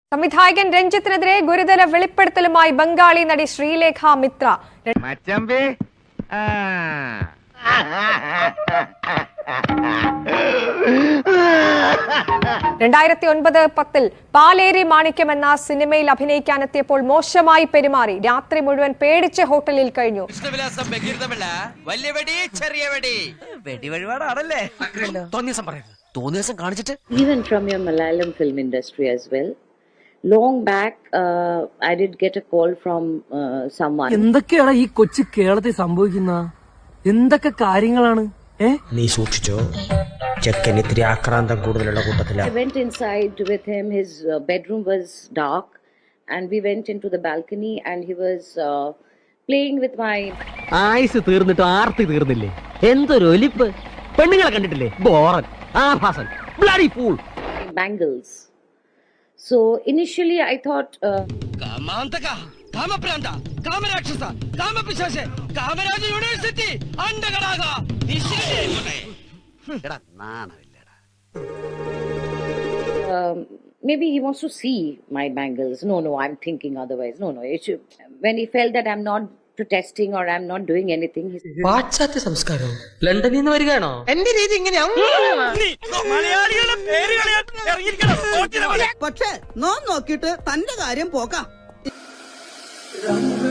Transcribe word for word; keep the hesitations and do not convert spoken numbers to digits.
സംവിധായകൻ രഞ്ജിത്തിനെതിരെ ഗുരുതര വെളിപ്പെടുത്തലുമായി ബംഗാളി നടി ശ്രീലേഖ മിത്ര. രണ്ടായിരത്തി ഒൻപത് പത്തിൽ പാലേരി മാണിക്യം എന്ന സിനിമയിൽ അഭിനയിക്കാനെത്തിയപ്പോൾ മോശമായി പെരുമാറി. രാത്രി മുഴുവൻ പേടിച്ച് ഹോട്ടലിൽ കഴിഞ്ഞു. Even from your Malayalam film industry as well. Long back, uh, I did get a call from uh, someone. എന്തൊക്കെയാണ് ഈ കൊച്ചു കേരളത്തിൽ സംഭവിക്കുന്ന എന്തൊക്കെ കാര്യങ്ങളാണ്? നീ സൂക്ഷിച്ചോ, ചെക്കൻ ഇത്തിരി ആക്രാന്തം കൂടുതലുള്ള കൂട്ടത്തില. I went inside with him. His uh, bedroom was dark, and we went into the balcony, and he was uh, playing with my. ആയുസ് തീർന്നിട്ട് ആർത്തി തീർന്നില്ലേ? എന്തൊരു ഒലിപ്പ്! പെണ്ണുങ്ങളെ കണ്ടിട്ടില്ലേ? ബോറൻ, ആഭാസൻ, bloody fool. Bangles. So initially I thought. Uh, Kamantaka, Kamapranta, Kamarakshasa, Kamapisase, Kamaraja University, Andagaraga. Um, maybe he wants to see my bangles. No, no, I'm thinking otherwise. No, no. It should, when he felt that I'm not protesting or I'm not doing anything. പാശ്ചാത്യ സംസ്കാരം ലണ്ടനിൽ നിന്ന് വരികയാണോ? എന്റെ രീതി ഇങ്ങനെയാവും. പക്ഷേ no നോക്കിയിട്ട് തന്റെ കാര്യം പോക്കാം.